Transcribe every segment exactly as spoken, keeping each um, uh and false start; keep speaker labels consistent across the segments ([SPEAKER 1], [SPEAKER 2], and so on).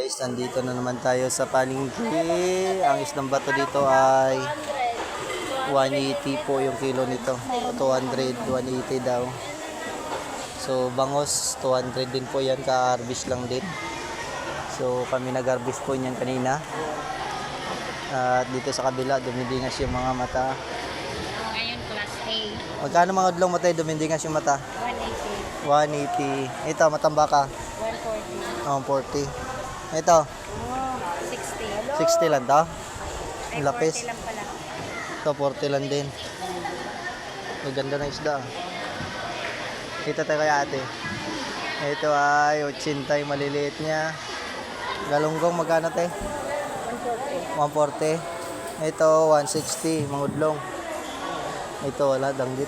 [SPEAKER 1] Guys, nandito na naman tayo sa palengke. Ang isdang bato dito ay one eighty po yung kilo nito. two hundred, one eighty daw. So, bangos, two hundred din po yan. Ka-harvest lang din. So, kami nag-harvest po yan kanina. At dito sa kabila, dumidingas yung mga mata.
[SPEAKER 2] Ngayon, class A.
[SPEAKER 1] Magkano mga udlong mata dumidingas yung mata?
[SPEAKER 2] one eighty.
[SPEAKER 1] one eighty. Ito, matambaka.
[SPEAKER 2] one forty.
[SPEAKER 1] Oh, forty. Ito,
[SPEAKER 2] Oh, sixty.
[SPEAKER 1] sixty lang to.
[SPEAKER 2] Ay,
[SPEAKER 1] Ang lapis.
[SPEAKER 2] forty lang pala.
[SPEAKER 1] Ito, forty lang din. Ang ganda ng isda. Ito tayo kay ate. Ito ay eighty yung maliliit niya. Galunggong magkano te?
[SPEAKER 2] one forty.
[SPEAKER 1] one forty. Ito one sixty, mangudlong. Ito wala, danggit.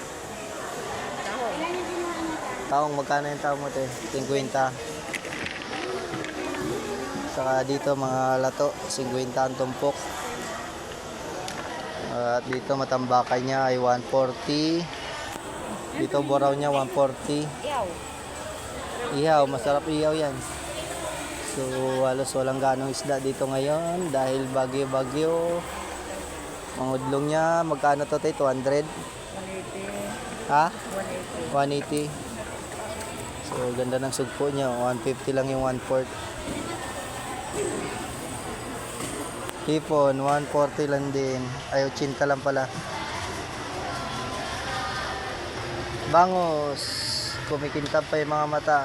[SPEAKER 1] Taong magkano yung taong mo te? fifty. Saka dito mga lato, fifty ang tumpok. At dito matambakan niya ay one forty. Dito boraw niya one forty.
[SPEAKER 2] Yaw.
[SPEAKER 1] Ihaw, masarap ihaw yan. So halos walang ganong isda dito ngayon dahil bagyo-bagyo. Mangudlong niya, magkano to tayo? two hundred?
[SPEAKER 2] one eighty.
[SPEAKER 1] Ha?
[SPEAKER 2] one eighty.
[SPEAKER 1] one eighty. So ganda ng sugpo niya, one fifty lang yung one fourth. Hipon, one forty lang din. Ay, eighty lang pala. Bangos, kumikintab pa yung mga mata.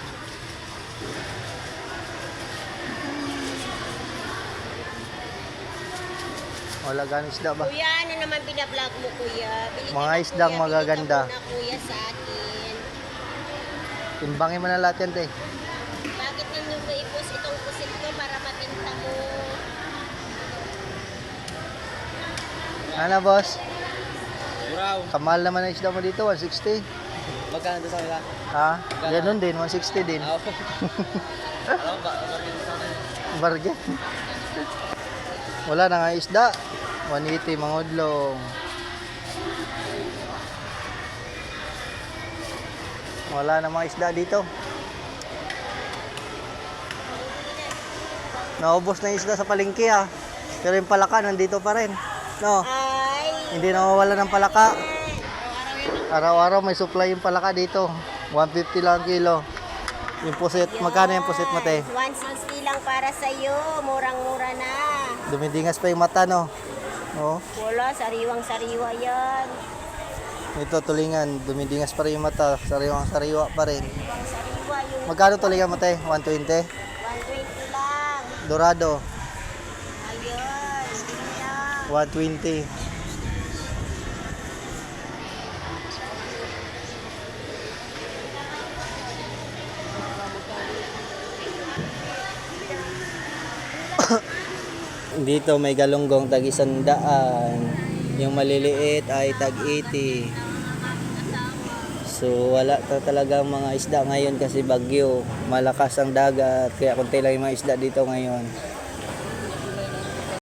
[SPEAKER 1] Wala ganong isda ba?
[SPEAKER 2] Kuya, ano naman binablog mo, kuya? Bili ka
[SPEAKER 1] Mga
[SPEAKER 2] na,
[SPEAKER 1] isdang
[SPEAKER 2] kuya.
[SPEAKER 1] magaganda.
[SPEAKER 2] Bili ka muna, kuya, sa akin.
[SPEAKER 1] Timbangin mo na lahat yan, te.
[SPEAKER 2] Bakit ninyo ba ipos itong pusit ko para mabinta mo?
[SPEAKER 1] Ano, boss?
[SPEAKER 3] Buraw.
[SPEAKER 1] Kamahal naman ang isda mo dito, one sixty.
[SPEAKER 3] Magkano doon sa kanila?
[SPEAKER 1] Ha? Ganun din, one sixty din.
[SPEAKER 3] Ah, Alam ba? Magkano sa kanila?
[SPEAKER 1] Bargain. Wala na nga isda. one eighty mangudlong. Wala na mga isda dito. Naubos na yung isda sa palengke ah. Pero yung palaka nandito pa rin. No,
[SPEAKER 2] Ay,
[SPEAKER 1] hindi nawawala ng palaka.
[SPEAKER 2] araw-araw yan.
[SPEAKER 1] Araw-araw may supply yung palaka dito. one fifty lang ang kilo. Yung pusit, magkano yung pusit mo te?
[SPEAKER 2] one sixty lang para sa'yo. Murang-mura na.
[SPEAKER 1] Dumidingas pa yung mata no. Oh.
[SPEAKER 2] Wala, sariwang-sariwa yan.
[SPEAKER 1] Ito tulingan, dumidingas pa rin yung mata, sariwang sariwa pa rin.
[SPEAKER 2] Sariwa yung
[SPEAKER 1] Magkano tulingan mo te? one twenty?
[SPEAKER 2] one twenty lang.
[SPEAKER 1] Dorado,
[SPEAKER 2] Ayun, hindi lang.
[SPEAKER 1] one twenty. Dito may galunggong tag isandaan. Yung maliliit ay tag eighty. So wala ta talagang mga isda ngayon kasi bagyo. Malakas ang dagat kaya konti lang yung mga isda dito ngayon.